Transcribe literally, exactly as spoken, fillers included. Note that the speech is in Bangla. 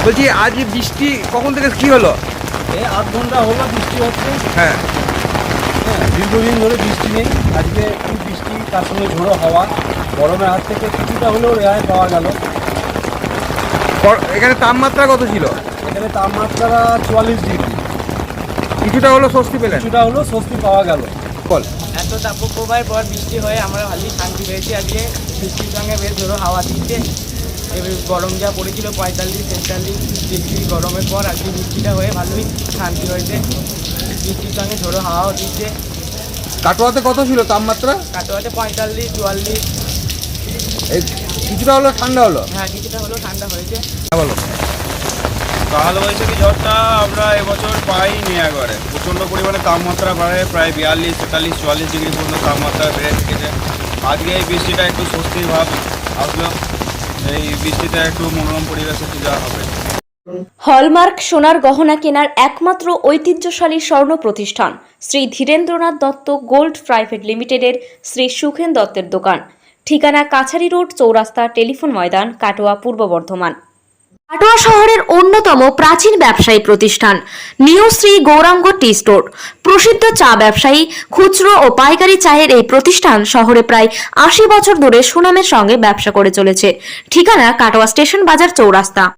বলছি আজ বৃষ্টি কখন থেকে কি হলো? এই আধ ঘন্টা হলো বৃষ্টি হচ্ছে। হ্যাঁ হ্যাঁ, দীর্ঘদিন ধরে বৃষ্টি নেই। আজকে খুব বৃষ্টি, তার সঙ্গে ঝোড়ো হাওয়া, গরমের হাত থেকে কিছুটা হলেও রেহাই পাওয়া গেল। ক- এখানে তাপমাত্রা কত ছিল? এখানে তাপমাত্রা চুয়াল্লিশ ডিগ্রি। কিছুটা হলো স্বস্তি পেলেন? কিছুটা হলেও স্বস্তি পাওয়া গেল। বল। এত তাপপ্রবাহের পর বৃষ্টি হয়ে আমরা ভালোই শান্তি পেয়েছি। আজকে বৃষ্টির সঙ্গে বেশ জোরো হাওয়া দিচ্ছে। এবার গরম যা পড়েছিল পঁয়তাল্লিশ তেতাল্লিশ ডিগ্রি গরমের পর আজকে বৃষ্টিটা হয়ে ভালোই শান্তি হয়েছে। বৃষ্টির সঙ্গে ঝোড়ো হাওয়াও দিচ্ছে। কাটোয়াতে কত ছিল তাপমাত্রা? কাটোয়াতে পঁয়তাল্লিশ চুয়াল্লিশ। এই কিছুটা হলো ঠান্ডা হলো? হ্যাঁ, কিছুটা হলেও ঠান্ডা হয়েছে। হ্যাঁ বলো। কালবৈশাখী ঝড়টা আমরা এবছর পাইনি একবারে। প্রচণ্ড পরিমাণে তাপমাত্রা বাড়ে, প্রায় বিয়াল্লিশ তেতাল্লিশ চুয়াল্লিশ ডিগ্রি পর্যন্ত তাপমাত্রা বেড়ে থেকেছে। আজকে এই বৃষ্টিটা একটু স্বস্তির ভাব আসলো। এই বৃষ্টিতে একটু মনোরম পরিবেশে পূজা হবে। হলমার্ক সোনার গহনা কেনার একমাত্র ঐতিহ্যশালী স্বর্ণ প্রতিষ্ঠান শ্রী ধীরেন্দ্রনাথ দত্ত গোল্ড প্রাইভেট লিমিটেডের শ্রী সুখেন দত্তের দোকান। ঠিকানা কাছারি রোড, চৌরাস্তা, টেলিফোন ময়দান, কাটোয়া, পূর্ব বর্ধমান। কাটোয়া শহরের অন্যতম প্রাচীন ব্যবসায়ী প্রতিষ্ঠান new Shri Gouranga tea store. প্রসিদ্ধ চা ব্যবসায়ী, খুচরো ও পাইকারি চায়ের এই প্রতিষ্ঠান শহরে প্রায় আশি বছর ধরে সুনামের সঙ্গে ব্যবসা করে চলেছে। ঠিকানা কাটোয়া স্টেশন বাজার, চৌরাস্তা।